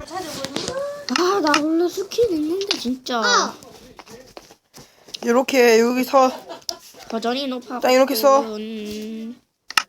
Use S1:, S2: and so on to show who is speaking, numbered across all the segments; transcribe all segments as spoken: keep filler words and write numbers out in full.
S1: 아, 나 원래 스킨 있는데 진짜.
S2: 어.
S3: 이렇게 여기서
S1: 버전이 높아.
S3: 딱 이렇게 써.
S1: 음,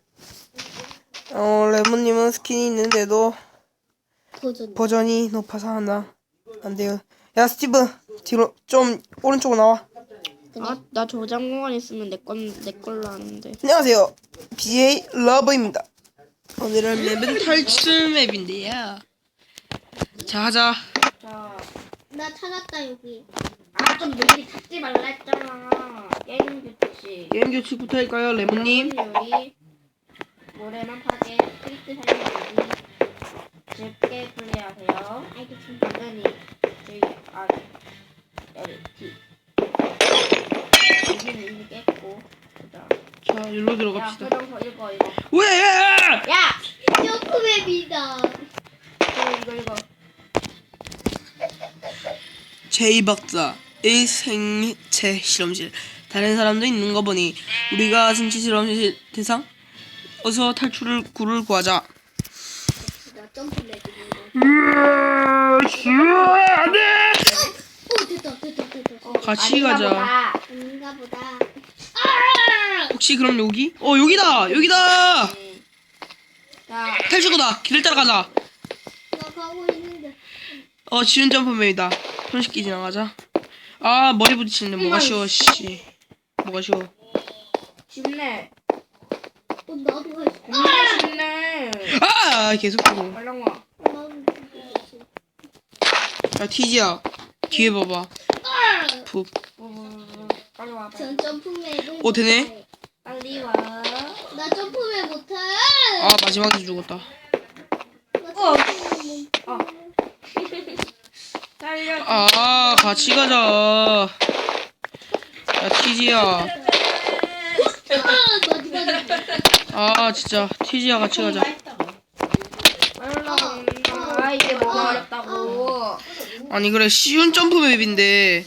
S3: 어 레몬님은 스킨이 있는데도
S2: 도전.
S3: 버전이 높아서 하나 안 돼요. 야 스티브 뒤로 좀 오른쪽으로 나와.
S1: 아, 나 저장 공간 있으면 내 건 내 걸로 하는데.
S3: 안녕하세요. 비제이 러브입니다. 오늘은 맵은 탈출 맵인데요. 자 하자.
S1: 자,
S2: 나 찾았다 여기.
S1: 아, 좀 미리 찾지 말라 했잖아. 게임 규칙.
S3: 게임 규칙부터 할까요, 레몬님?
S1: 요리, 모래만 파괴, 스크립트 사용하기, 쉽게 플레이하세요.
S2: 알겠습니다.
S1: 당연히 J R L T. 여기는 이미 깼고. 보자.
S3: 자 일로
S1: 야,
S3: 들어갑시다.
S1: 표정서 읽어 이거.
S3: 왜?
S1: 야,
S2: 점프맵이다.
S1: 이거 이거 이거.
S3: 제이 박사의 생체 실험실. 다른 사람도 있는 거 보니 우리가 생체 실험실 대상. 어서 탈출을 구를 구하자.
S2: 나 점프맵이다.
S3: 안돼.
S2: 오 됐다 됐다 됐다.
S1: 어,
S3: 같이
S1: 아닌가
S3: 가자.
S1: 보다.
S2: 아닌가 보다.
S3: 혹시 그럼 여기? 어 여기다 여기다.
S1: 네. 자,
S3: 탈출구다. 길을 따라가자.
S2: 나 가고 있는데.
S3: 어 지운 점프맵이다. 손쉽게 지나가자. 아 머리 부딪히는데 뭐가 쉬워 씨. 뭐가 쉬워.
S1: 쉽네.
S2: 어 나도 할 수.
S1: 겁나 쉽네.
S3: 아 계속 보고.
S1: 빨랑 와.
S2: 나도
S3: 야 티지야 뒤에 봐봐. 푹.
S1: 어, 빨리 와. 빨리.
S2: 전 점프맵을.
S3: 어, 되네?
S2: 못해.
S1: 빨리 와.
S2: 나 점프맵 못해.
S3: 아 마지막에 죽었다.
S2: 나
S1: 어.
S2: 점프맵 못해.
S1: 어. 살려.
S3: 아 같이 가자. 야 티지야.
S2: 아 마지막에.
S3: 아 진짜 티지야 같이 가자.
S1: 빨랑 와. 아, 이게 뭐가 어렵다고.
S3: 아니 그래 쉬운 점프맵인데.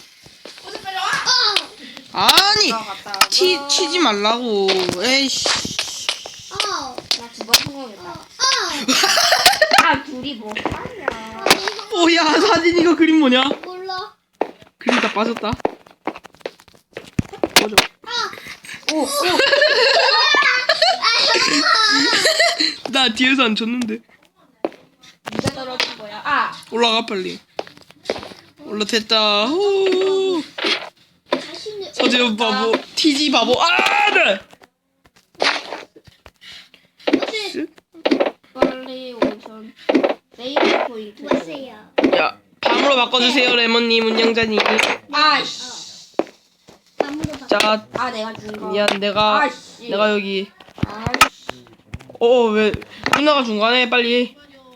S3: 아니
S1: 들어갔다.
S3: 티 치지 말라고. 에이씨.
S2: 아.
S1: 나 두 번 성공했다.
S2: 아.
S1: 아, 둘이 뭐 하냐.
S3: 오야 사진 이거 그림 뭐냐?
S2: 몰라.
S3: 그림 다 빠졌다. 뭐죠?
S1: 오, 오.
S3: 나 뒤에서 안 쳤는데.
S1: 누가 떨어진 거야? 아,
S3: 올라가 빨리. 올라됐다. 후.
S2: 자신을.
S3: 서재훈 바보. 티지 바보. 아 네.
S2: 어제
S1: 빨리 오션. 세이브 포인트.
S2: 보세요.
S3: 야 밤으로 바꿔주세요 레몬님 운영자님.
S1: 아이씨.
S2: 나무로 바.
S3: 자
S1: 아, 내가 준 거.
S3: 미안 내가
S1: 아이씨.
S3: 내가 여기.
S1: 아이씨.
S3: 어왜 누나가 중간에 빨리.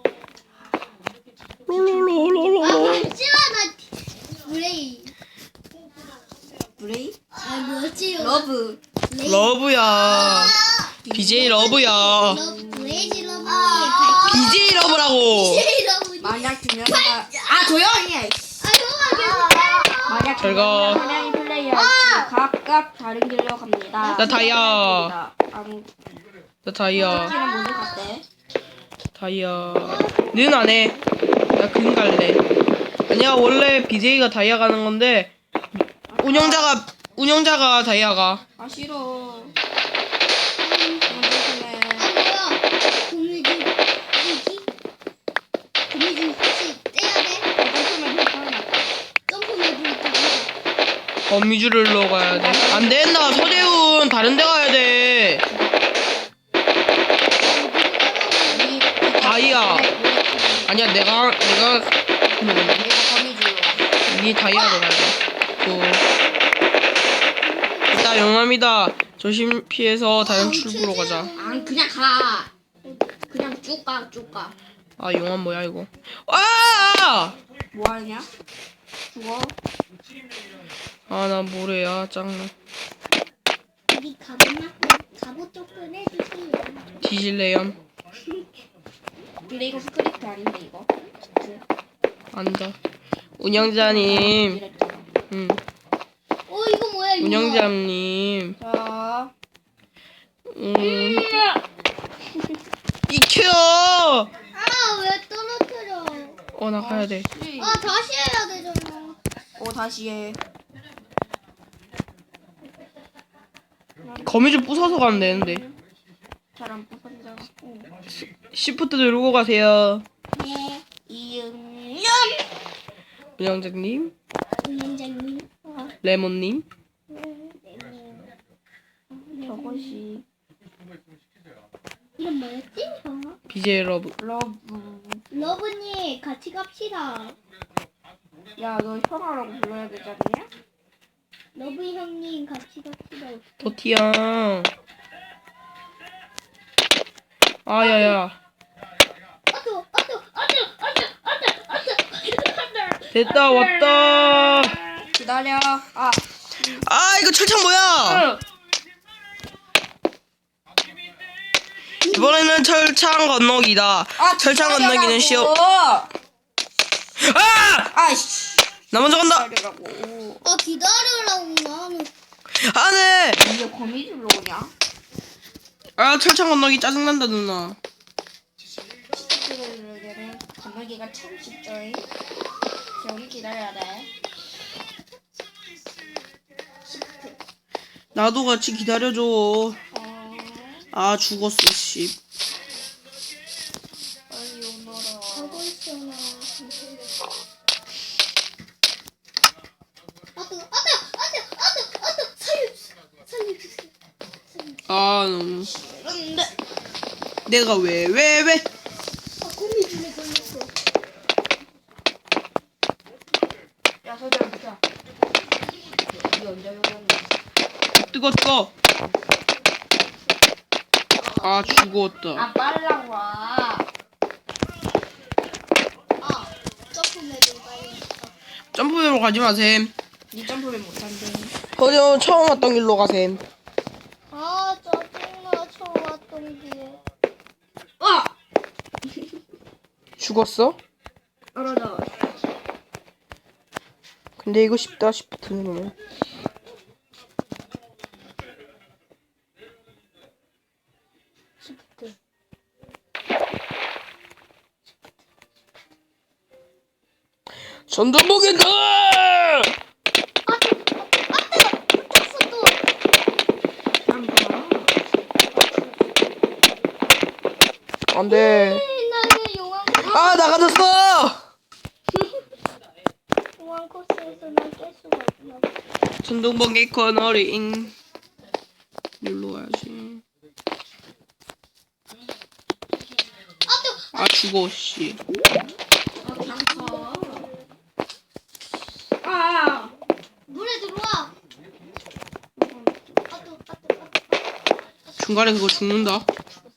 S3: 롤롤롤롤롤.
S2: 아 잠시만 나 브레이.
S1: 브레이?
S2: 아 뭐지?
S1: 러브.
S2: 레이.
S3: 러브야. 비제이 러브야.
S2: 러브 브레이지 러브. 아.
S3: 비제이 러브라고.
S2: 브레이 러브.
S1: 만약 두 명이가. 아, 조용히 해.
S2: 아 형아 계속.
S1: 만약 두
S3: 잘 가.
S1: 명이나 한 명이 플레이할 때 각각 다른 길로 갑니다.
S3: 나 다이아.
S1: 아무
S3: 나 다이아.
S1: 길은 모두 갔대.
S3: 다이아. 는 안 해. 나 금 갈래. 아니야 원래 비제이가 다이아 가는 건데 운영자가 운영자가 다이아가.
S1: 아, 싫어.
S2: 아 뭐야? 고미줄 뭐지? 고미줄 혹시 떼야 돼? 점프맵을 있다고.
S3: 거미줄을 넣어가야 돼. 안 된다 서재훈 다른 데 가야 돼. 다이아. 아니야 내가 내가 음,
S1: 내가 거미줄로.
S3: 니 다이아로 가야 돼. 또 일단 용암이다. 조심 피해서 다른 출구로 가자.
S1: 안 그냥 가. 그냥 쭉 가, 쭉 가.
S3: 아 용암 뭐야 이거? 아!
S1: 뭐 하냐? 죽어.
S3: 아 나 모래야 짱나.
S2: 우리 갑옷 갑옷 조금 해주세요.
S3: 뒤질래요?
S1: 근데 이거 스크립트 아닌데 이거.
S3: 앉아. 운영자님.
S1: 이랬잖아.
S3: 음.
S2: 어 이거 뭐야 이거?
S3: 운영자님.
S1: 자.
S3: 음. 익혀.
S2: 아왜 떨어뜨려?
S3: 어, 나 가야 돼.
S2: 아 다시 해야 되잖아.
S1: 어 다시 해.
S3: 거미줄 부숴서 가면 되는데.
S1: 잘안 뽑았잖아.
S3: 시프트 누르고 가세요.
S2: 네.
S1: 이응연.
S3: 운영자님,
S2: 운영자님.
S3: 레몬님.
S1: 저것이
S2: 이름 뭐였지? 저?
S3: 비제이 러브.
S1: 러브.
S2: 러브님 같이 갑시다.
S1: 야 너 현아라고 불러야 되지 않냐?
S2: 러브 형님 같이 갑시다.
S3: 도티양. 아, 야야.
S2: 아또 아또 아또 아또 아또 아또
S3: 됐다, 왔다.
S1: 기다려. 아.
S3: 아, 이거 철창 뭐야? 이번에는 철창 건너기다.
S1: 아
S3: 철창 건너기는 쉬워.
S1: 아!
S3: 아!
S1: 아이씨.
S3: 나 먼저 간다.
S1: 기다리라고.
S2: 아 기다리라고 나는.
S3: 안 해.
S1: 이제 거미줄로 오냐?
S3: 아, 철창 건너기 짜증난다, 누나.
S1: 시트를 건너기가 참 쉽죠. 여기 기다려야 돼.
S3: 나도 같이 기다려줘.
S1: 어.
S3: 아, 죽었어, 씨.
S1: 빨리 오너라.
S2: 가고 있어 나. 아또 아또 아또 아또 아또 살려주세요. 살려주세요. 살려주세요.
S3: 아, 너무.
S1: 그런데
S3: 내가 왜, 왜, 왜?
S2: 아 거미줄에 걸렸어.
S1: 야 서재랑 붙자. 이 언제 오는?
S3: 뜨거, 뜨거. 아, 죽었다.
S1: 아 빨랑 와.
S2: 아 점프맵을 빨리.
S3: 점프대로 가지 마셈.
S1: 니 점프를 못한대.
S3: 허저 처음 왔던 길로 가셈.
S2: 아 짜증나 처음 왔던 길에.
S1: 와.
S3: 죽었어?
S1: 떨어져.
S3: 근데 이거 쉽다, 시프트 누르면.
S2: 시프트.
S3: 전동복이다!
S2: 아또 아또 붙었어 또.
S3: 안 돼.
S2: 나는 용왕
S3: 아, 나가졌어!
S2: 용왕 코스에서 난 깰 수가 없나 봐.
S3: 전동번개 코너링. 눌러 와야지.
S2: 아또
S3: 아, 죽어, 씨.
S1: 아.
S2: 물에 들어와. 아또 아또 아또.
S3: 중간에 그거 죽는다.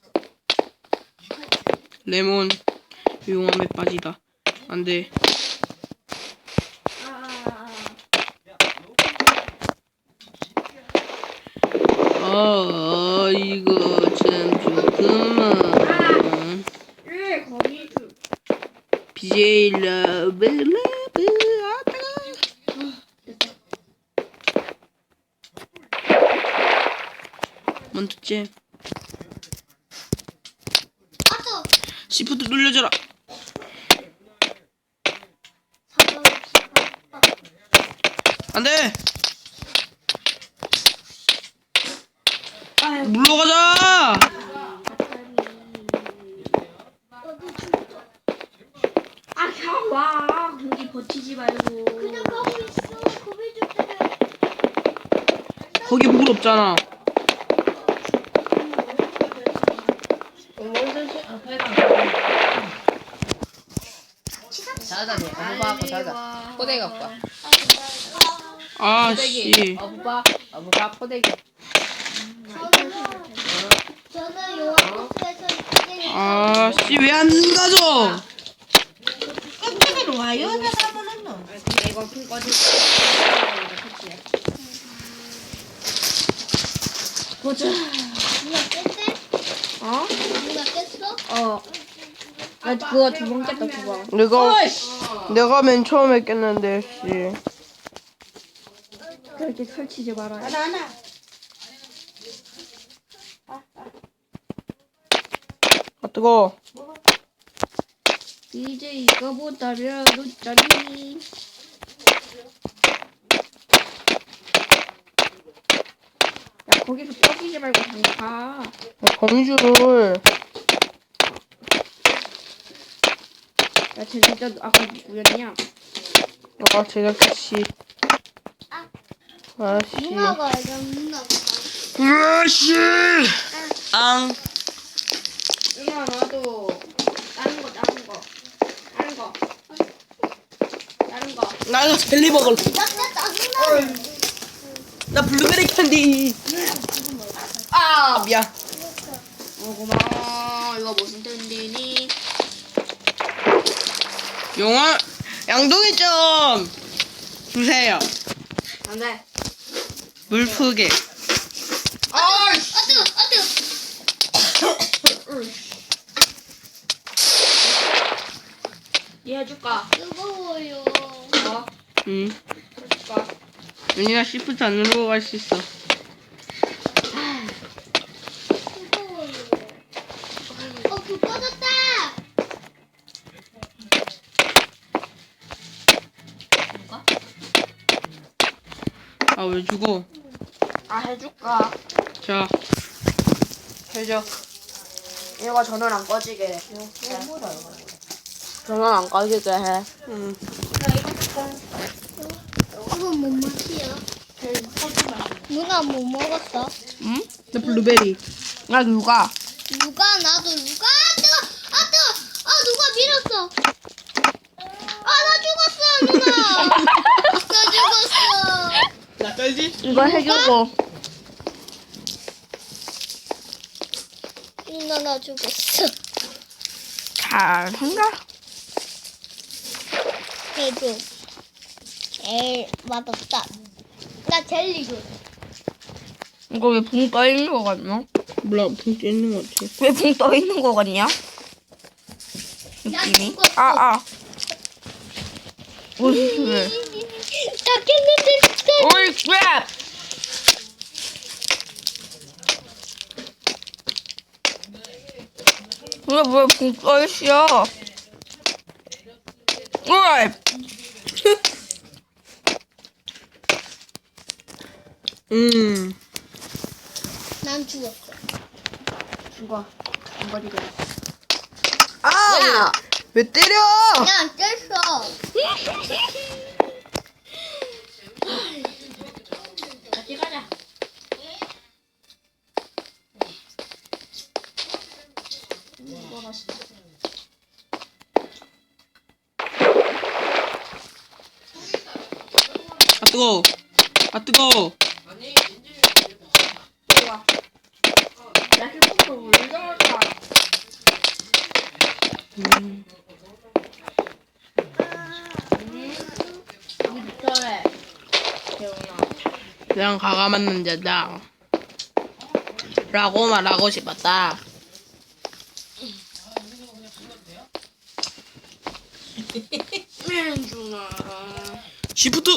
S3: 레몬. 용암에 빠지다. 안 돼. 아, 이거 참 좋구만.
S1: 왜 거미줄?
S3: 비제이 러브, 러브, 아, 따가. 먼저 째.
S2: 아또
S3: 시프트 눌려줘라. 안 돼.
S1: 아유.
S3: 물러가자.
S1: 아, 그냥 와. 거기 버티지 말고.
S2: 그냥 가고 있어. 거미줄 때문에.
S3: 거기 물 없잖아.
S4: 자자네 어부바 자자 포대기 오빠
S3: 아, 씨.
S4: 어부바 어부바 포대기
S2: 저는 저는 용왕 코스에서 이제
S3: 아, 씨, 왜 안 가져?
S4: 깜짝이야 와요 사람은 너
S1: 근데 이거 큰 거지. 보자.
S2: 누가 깼대?
S1: 어?
S2: 누가 깼어?
S1: 어. 나 그거 두 번 깼다 두 번.
S3: 내가, 내가 맨 처음에 깼는데, 씨.
S1: 그렇게 설치지 말아요.
S4: 하나 하나
S3: 아, 뜨거.
S1: 이제 이거보다 몇 원짜리? 야 거기서 떠기지 말고 그냥 가.
S3: 거미줄을
S1: 야 쟤 진짜 아까 누구였냐?
S3: 아 제작자 씨. 아씨.
S2: 누나가 이거 누나가.
S3: 아씨. 앙.
S1: 누나 나도 다른 거 다른 거 다른 거 다른 거.
S3: 나 이거 젤리 먹을래.
S2: 나나 짜증나.
S3: 나 블루베리 캔디. 아 미안.
S1: 어 고마워. 이거 무슨 텐디니?
S3: 용아 양동이 좀 주세요.
S1: 안돼.
S3: 물프게.
S2: 아 뜨거 아 뜨거.
S1: 얘 해줄까?
S2: 뜨거워요.
S1: 어?
S3: 응.
S1: 해줄까?
S3: 윤희가 시프트 안 누르고 갈 수 있어.
S2: 뜨거워요. 어불 꺼졌다.
S3: 아 왜 죽어?
S1: 아 해줄까?
S3: 자.
S1: 해줘. 얘가 전원 안 꺼지게 해. 전원 안 꺼지게 해.
S3: 응.
S2: 이건 뭔 맛이야? 누나 뭐 먹었어?
S3: 응? 나 블루베리. 나 누가?
S2: 누가 나도 누가 아 뜨거 아 뜨거 아 누가 밀었어. 아 나 죽었어 누나. 나 죽었어.
S3: 나 떨지?
S1: 이거 해주고.
S2: 누나 나 죽었어.
S3: 잘한다.
S2: 해줘. 제일 맛없다. 나 젤리 줘.
S1: 이거 왜 붕 떠 있는 거 같냐?
S3: 몰라, 붕 찌는 것 같아.
S1: 왜 붕 떠 있는 거 같냐?
S2: 나
S1: 느낌이?
S2: 죽었어.
S1: 아 아. 무슨 소리?
S2: 다 깼는데 진짜.
S1: 오이 crap! 왜왜붕 떠 있어? 오이.
S3: 음.
S2: 난 죽었어.
S1: 죽어. 안 버리게.
S3: 아! 왜 때려?
S2: 야 깼어.
S1: 같이 가자.
S3: 아 뜨거워. 아 뜨거워.
S1: 좋아. 야 슈퍼볼 왜 저럴까?
S3: 음.
S1: 여기 밑에 재훈아.
S3: 그냥 가감한 남자다. 라고 말하고 싶었다.
S1: 민준아.
S3: 시프트.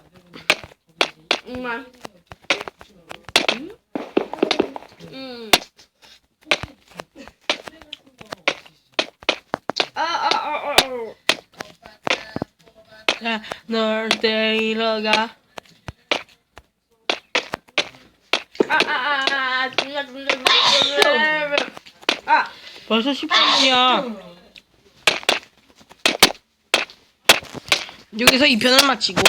S1: 정말. 응? 응. 아, 아, 아, 아, 아.
S3: 자, 널 데리러 가.
S1: 아, 아, 아, 아, 죽는다, 죽는다, 죽는다. 아,
S3: 벌써 십 분이야. 여기서 이 편을 마치고